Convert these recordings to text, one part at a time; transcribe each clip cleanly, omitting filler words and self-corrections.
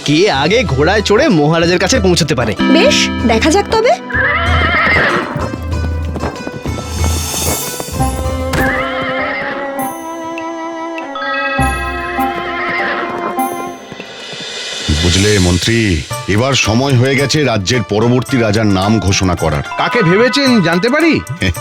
কে আগে ঘোড়ায় চড়ে মহারাজের কাছে পৌঁছতে পারে। বেশ, দেখা যাক তবে। বুঝলে মন্ত্রী, এবার সময় হয়ে গেছে রাজ্যের পরবর্তী রাজার নাম ঘোষণা করার। কাকে ভেবেছেন জানতে পারি?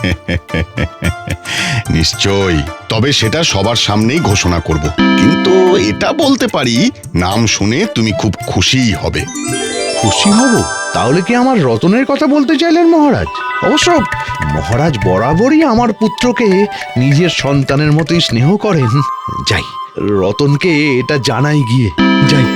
নিশ্চয়ই, তবে সেটা সবার সামনেই ঘোষণা করব। কিন্তু এটা বলতে পারি, নাম শুনে তুমি খুব খুশিই হবে। খুশি হব? তাহলে কি আমার রতনের কথা বলতে চাইলেন মহারাজ? অবশ্য মহারাজ বরাবরই আমার পুত্রকে নিজের সন্তানের মতোই স্নেহ করেন। যাই, রতনকে এটা জানাই গিয়ে। যাই।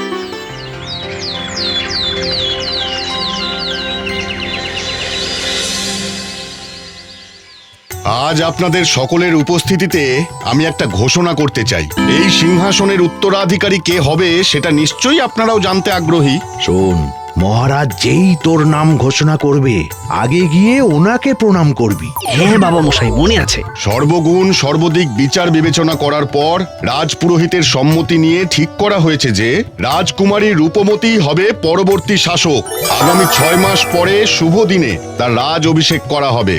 আজ আপনাদের সকলের উপস্থিতিতে আমি একটা ঘোষণা করতে চাই। এই সিংহাসনের উত্তরাধিকারী কে হবে সেটা নিশ্চয়ই আপনারাও জানতে আগ্রহী। শোন, মহারাজ যেই তোর নাম ঘোষণা করবে, আগে গিয়ে ওনাকে প্রণাম করবি। হ্যাঁ বাবা মশাই, মনে আছে। সর্বগুণ সর্বদিক বিচার বিবেচনা করার পর রাজপুরোহিতের সম্মতি নিয়ে ঠিক করা হয়েছে যে রাজকুমারী রূপমতী হবে পরবর্তী শাসক। আগামী 6 মাস পরে শুভ দিনে তার রাজ অভিষেক করা হবে।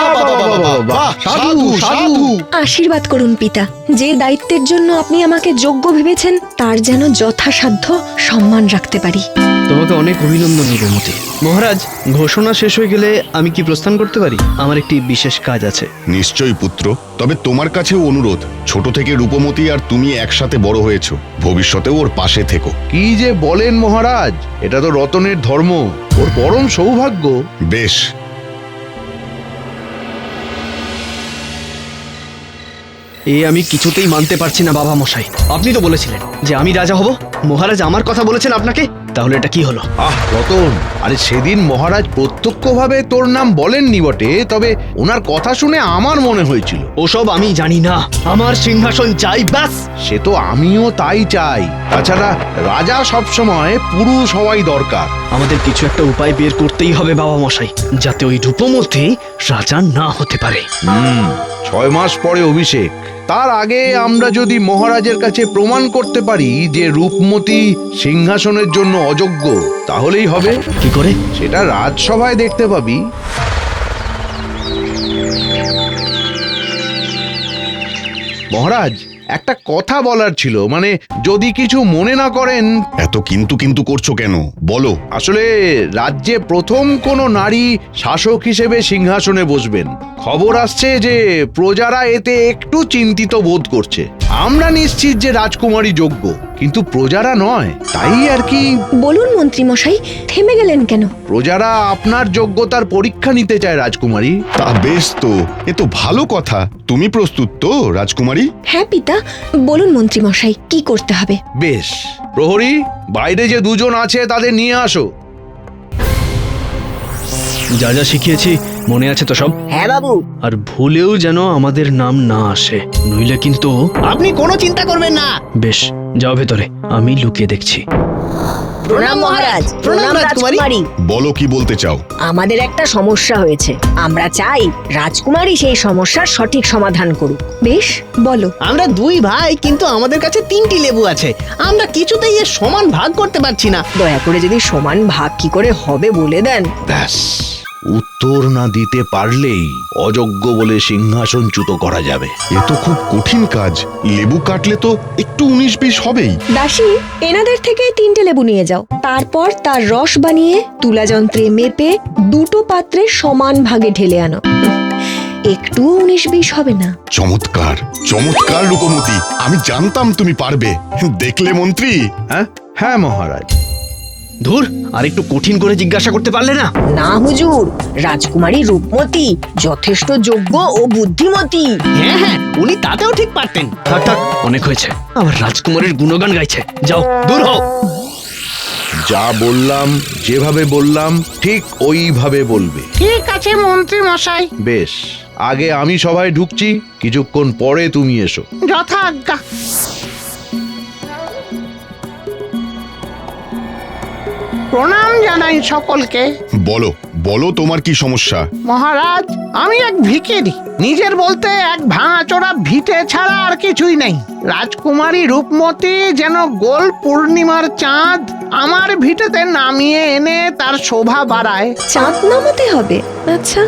সাধু সাধু। আশীর্বাদ করুন পিতা। যে দায়িত্বের জন্য আপনি আমাকে যোগ্য ভেবেছেন তার যেন যথাসাধ্য সম্মান রাখতে পারি। তোমাকে অনেক অভিনন্দন রূপমতী। মহারাজ, ঘোষণা শেষ হয়ে গেলে আমি কি প্রস্থান করতে পারি? আমার একটি বিশেষ কাজ আছে। নিশ্চয়ই পুত্র, তবে তোমার কাছেও অনুরোধ, ছোট থেকে রূপমতী আর তুমি একসাথে বড় হয়েছো, ভবিষ্যতেও ওর পাশে থেকো। কি যে বলেন মহারাজ, এটা তো রতনের ধর্ম, ওর পরম সৌভাগ্য। বেশ, আমি কিছুতেই মানতে পারছি না বাবা মশাই। আপনি তো বলেছিলেন যে আমি রাজা হব। মহারাজ আমার কথা বলেছেন আপনাকে, তাহলে এটা কি হলো? রতন, আরে সেদিন মহারাজ প্রত্যক্ষভাবে তোর নাম বলেননি বটে, তবে ওনার কথা শুনে আমার মনে হয়েছিল। ওসব আমি জানি না, আমার সিংহাসন চাই ব্যাস। সে তো আমিও তাই চাই। তাছাড়া রাজা সবসময় পুরুষ হওয়াই দরকার। আমাদের কিছু একটা উপায় বের করতেই হবে বাবা মশাই, যাতে ওই রূপমতী রাজা না হতে পারে। 6 মাস পরে অভিষেক, তার আগে আমরা যদি মহারাজের কাছে প্রমাণ করতে পারি যে রূপমতী সিংহাসনের জন্য অযোগ্য, তাহলেই হবে। কি করে? সেটা রাজসভায় দেখতে পাবি। মহারাজ, একটা কথা বলার ছিল, মানে যদি কিছু মনে না করেন। এত কিন্তু কিন্তু করছো কেন, বলো। আসলে রাজ্যে প্রথম কোনো নারী শাসক হিসেবে সিংহাসনে বসবেন। খবর আসছে যে প্রজারা এতে একটু চিন্তিত বোধ করছে। আমরা নিশ্চিত যে রাজকুমারী যোগ্য, কিন্তু প্রজারা নয়, তাই আর কি। বলুন মন্ত্রী মশাই, থেমে গেলেন কেন? প্রজারা আপনার যোগ্যতার পরীক্ষা নিতে চায় রাজকুমারী। তা বেশ তো, এ তো ভালো কথা। তুমি প্রস্তুত তো রাজকুমারী? হ্যাঁ পিতা, বলুন মন্ত্রী মশাই, কি করতে হবে? বেশ, প্রহরী, বাইরে যে দুজন আছে তাদের নিয়ে আসো। যা যা শিখিয়েছি মনে আছে তো সব? হ্যাঁ বাবু। আর ভুলেও যেন আমাদের নাম না আসে, নইলে কিন্তু। আপনি কোনো চিন্তা করবেন না। বেশ, যাও ভেতরে, আমি লুকিয়ে দেখছি। প্রণাম মহারাজ। প্রণাম রাজকুমারী। বলো, কি বলতে চাও? আমাদের একটা সমস্যা হয়েছে, আমরা চাই রাজকুমারী সেই সমস্যার সঠিক সমাধান করুক। বেশ, বলো। আমরা 2 ভাই, কিন্তু আমাদের কাছে 3টি লেবু আছে। আমরা কিছুতেই এর সমান ভাগ করতে পারছি না। দয়া করে যদি সমান ভাগ কি করে হবে বলে দেন। ব্যাস, উত্তর না দিতে পারলেই অযোগ্য বলে সিংহাসনচ্যুত করা যাবে। এ তো খুব কঠিন কাজ। লেবু কাটলে তো একটু 19-20 হবেই। দাসী, এনাদের থেকেই 3টে লেবু নিয়ে যাও। তারপর তার রস বানিয়ে তুলা যন্ত্রে মেপে 2টো পাত্রে সমান ভাগে ঢেলে আনো। একটু 19-20 হবে না। চমৎকার চমৎকার রূপমতী, আমি জানতাম তুমি পারবে। দেখলে মন্ত্রী? হ্যাঁ মহারাজ। ধুর, আর একটু কঠিন করে জিজ্ঞাসা করতে পারলে না? না হুজুর, রাজকুমারী রূপমতী যথেষ্ট যোগ্য ও বুদ্ধিমতী। হ্যাঁ হ্যাঁ, উনি তাতেও ঠিক পারতেন। থাক থাক, অনেক হয়েছে। আমার রাজকুমারীর গুণগান গাইছে, যাও দূর হও। যা বললাম, যেভাবে বললাম ঠিক ওইভাবে বলবে। ঠিক আছে মন্ত্রী মশাই। বেশ, আগে আমি সভায় ঢুকছি, কিছুক্ষণ পরে তুমি এসো। যথা আজ্ঞা। প্রণাম জানাই সকলকে। বলো বলো, তোমার কি সমস্যা? মহারাজ, আমি এক ভিখারি। নিজের বলতে এক ভাঙাচোরা ভিটে ছাড়া আর কিছুই নেই। রাজকুমারী রূপমতী যেন গোল পূর্ণিমার চাঁদ আমার ভিটেতে নামিয়ে এনে তার শোভা বাড়ায়। চাঁদ নামাতে হবে? আচ্ছা,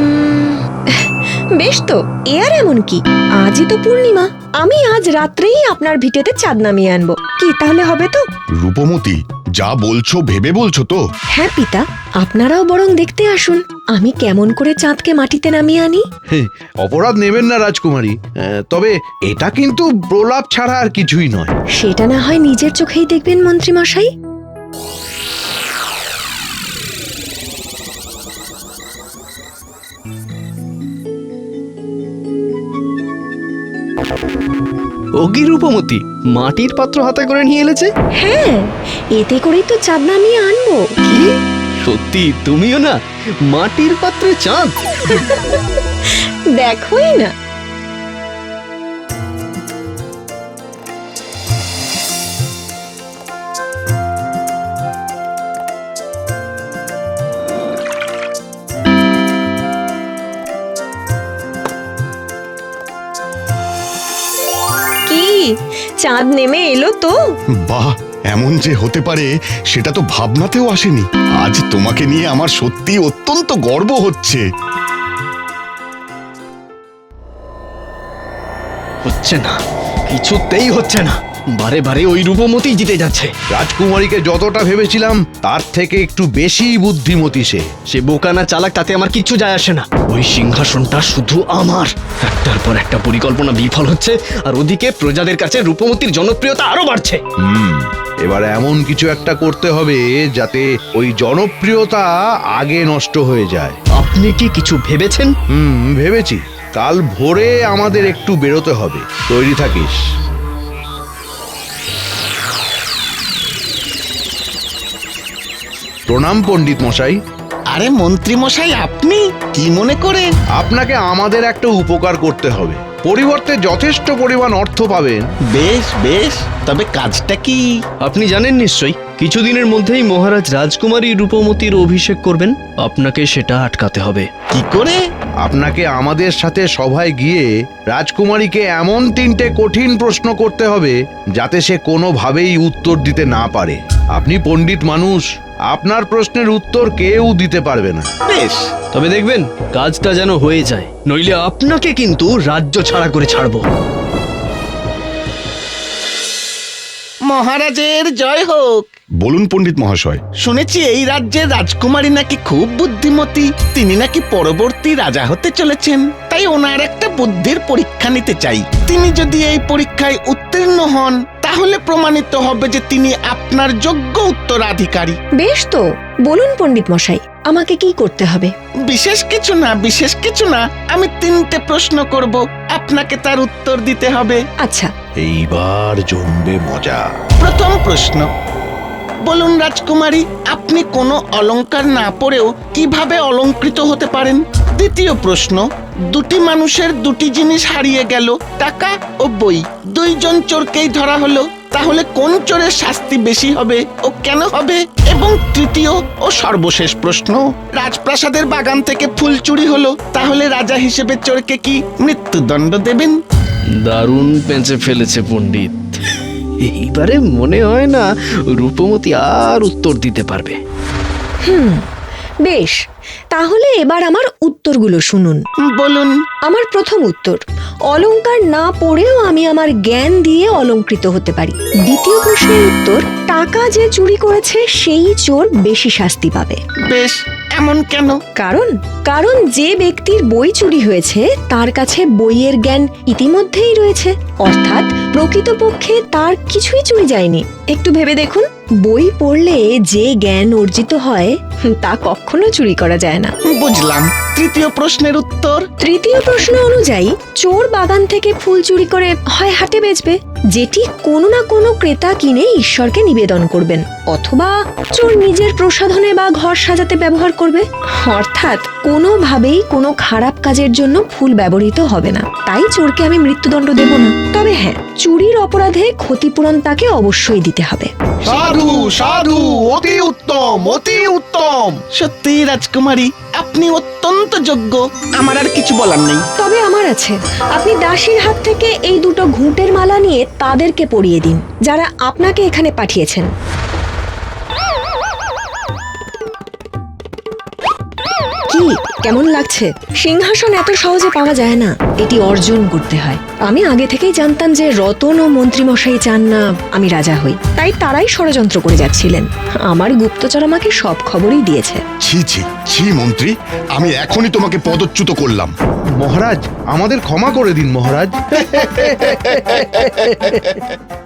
বেশ তো, এ আর এমন কি, আজই তো পূর্ণিমা, আমি আজ রাত্রেই আপনার ভিটেতে চাঁদ নামিয়ে আনবো। কি তাহলে হবে তো? রূপমতি, যা বলছো ভেবে বলছো তো? হ্যাঁ পিতা, আপনারাও বরং দেখতে আসুন আমি কেমন করে চাঁদকে মাটিতে নামিয়ে আনি। অপরাধ নেবেন না রাজকুমারী, তবে এটা কিন্তু প্রলাপ ছাড়া আর কিছুই নয়। সেটা না হয় নিজের চোখেই দেখবেন মন্ত্রী মশাই। ওগি রূপমতি, মাটির পাত্র হাতে করে নিয়ে এলেছে। হ্যাঁ, এতে করেই তো চাঁদ নামিয়ে আনবো। কি সত্যি তুমিও না মাটির পাত্রে চাঁদ? দেখোই না। কি চাঁদ নেমে এলো তো? বাহ, এমন যে হতে পারে সেটা তো ভাবনাতেও আসেনি। আজ তোমাকে নিয়ে আমার সত্যি অত্যন্ত গর্ব হচ্ছে। হচ্ছে না, কিছুতেই হচ্ছে না, বারে বারে ওই রূপমতি জিতে যাচ্ছে। রাজকুমারীকে যতটা ভেবেছিলাম তার থেকে একটু বেশি বুদ্ধিমতী সে। সে বোকা না চালাক তাতে আমার কিচ্ছু যায় আসে না। ওই সিংহাসনটা শুধু আমার। একটার পর একটা পরিকল্পনা বিফল হচ্ছে, আর ওদিকে প্রজাদের কাছে রূপমতির জনপ্রিয়তা আরো বাড়ছে। এবার এমন কিছু একটা করতে হবে যাতে ওই জনপ্রিয়তা আগে নষ্ট হয়ে যায়। আপনি কি কিছু ভেবেছেন? ভেবেছি। কাল ভোরে আমাদের একটু বেরোতে হবে, তৈরি থাকিস। প্রণাম পণ্ডিত মশাই। আরে মন্ত্রী মশাই, আপনি কি মনে করে? আপনাকে আমাদের একটা উপকার করতে হবে, পরিবর্তে যথেষ্ট পরিমাণ অর্থ পাবেন। বেশ বেশ, তবে কাজটা কি? আপনি জানেন নিশ্চয়ই, কিছুদিনের মধ্যেই মহারাজ রাজকুমারী রূপমতির অভিষেক করবেন। আপনাকে সেটা আটকাতে হবে। কি করে? আপনাকে আমাদের সাথে সভায় গিয়ে রাজকুমারীকে এমন 3টে কঠিন প্রশ্ন করতে হবে যাতে সে কোনোভাবেই উত্তর দিতে না পারে। আপনি পণ্ডিত মানুষ, আপনার প্রশ্নের উত্তর কেউ দিতে পারবে না। বেশ, তবে দেখবেন কাজটা যেন হয়ে যায়, নইলে আপনাকে কিন্তু রাজ্য ছাড়া করে ছাড়বো। মহারাজের জয় হোক। বলুন পণ্ডিত মহাশয়। শুনেছি এই রাজ্যের রাজকুমারী নাকি খুব বুদ্ধিমতী, তিনি নাকি পরবর্তী রাজা হতে চলেছেন। তাই ওনার একটা বুদ্ধির পরীক্ষা নিতে চাই। তিনি যদি এই পরীক্ষায় উত্তীর্ণ হন তাহলে প্রমাণিত হবে যে তিনি আপনার যোগ্য উত্তরাধিকারী। বেশ তো, বলুন পণ্ডিত মশাই, আমাকে কি করতে হবে? বিশেষ কিছু না, বিশেষ কিছু না। আমি 3টে প্রশ্ন করব, আপনাকে তার উত্তর দিতে হবে। আচ্ছা। এইবার জমবে মজা। প্রথম প্রশ্ন, বলুন রাজকুমারী, আপনি কোনো অলংকার না পরেও কিভাবে অলংকৃত হতে পারেন? দ্বিতীয় প্রশ্ন, 2টি মানুষের 2টি জিনিস হারিয়ে গেল, টাকা ও বই। 2জন চোরকেই ধরা হলো, তাহলে কোন চোরের শাস্তি বেশি হবে ও কেন হবে? এবং তৃতীয় ও সর্বশেষ প্রশ্ন, রাজপ্রাসাদের বাগান থেকে ফুল চুরি হলো, তাহলে রাজা হিসেবে চোরকে কি মৃত্যুদণ্ড দেবেন? দারুণ পেঁচে ফেলেছে পণ্ডিত। এইবারে মনে হয় না রূপমতি আর উত্তর দিতে পারবে। বেশ, তাহলে এবার আমার উত্তরগুলো শুনুন। বলুন। আমার প্রথম উত্তর, অলংকার না পড়েও আমি আমার জ্ঞান দিয়ে অলংকৃত হতে পারি। দ্বিতীয় প্রশ্নের উত্তর, টাকা যে চুরি করেছে সেই চোর বেশি শাস্তি পাবে। বেশ, এমন কেন? কারণ যে ব্যক্তির বই চুরি হয়েছে তার কাছে বইয়ের জ্ঞান ইতিমধ্যেই রয়েছে, অর্থাৎ প্রকৃতপক্ষে তার কিছুই চুরি যায়নি। একটু ভেবে দেখুন, বই পড়লে যে জ্ঞান অর্জিত হয় তা কখনো চুরি করা যায় না। বুঝলাম। তৃতীয় প্রশ্নের উত্তর? তৃতীয় প্রশ্ন অনুযায়ী চোর বাগান থেকে ফুল চুরি করে হয় হাটে বেচবে, যেটি কোনো না কোনো ক্রেতা কিনে ঈশ্বরকে নিবেদন করবেন, অথবা চোর নিজের প্রসাধনে বা ঘর সাজাতে ব্যবহার করবে। অর্থাৎ কোনোভাবেই কোনো খারাপ কাজের জন্য ফুল ব্যবহৃত হবে না। তাই চোরকে আমি মৃত্যুদণ্ড দেব না। তবে হ্যাঁ, চুরির অপরাধে ক্ষতিপূরণ তাকে অবশ্যই দিতে হবে। সাধু সাধু, অতি উত্তম, অতি উত্তম। সত্যি রাজকুমারী, আপনি অত্যন্ত যোগ্য। আমার আর কিছু বলার নেই। তবে আমার আছে। আপনি দাসীর হাত থেকে এই 2টো ঘুঁটের মালা নিয়ে তাদেরকে পরিয়ে দিন, যারা আপনাকে এখানে পাঠিয়েছেন। কেমন লাগছে? সিংহাসন এত সহজে পাওয়া যায় না, এটি অর্জন করতে হয়। আমি আগে থেকেই জানতাম যে রতন ও মন্ত্রীমশাই চান না আমি রাজা হই, তাই তারাই ষড়যন্ত্র করে যাচ্ছিলেন। আমার গুপ্তচর আমাকে সব খবরই দিয়েছে। ছি ছি ছি মন্ত্রী, আমি এখনই তোমাকে পদচ্যুত করলাম। মহারাজ, আমাদের ক্ষমা করে দিন মহারাজ।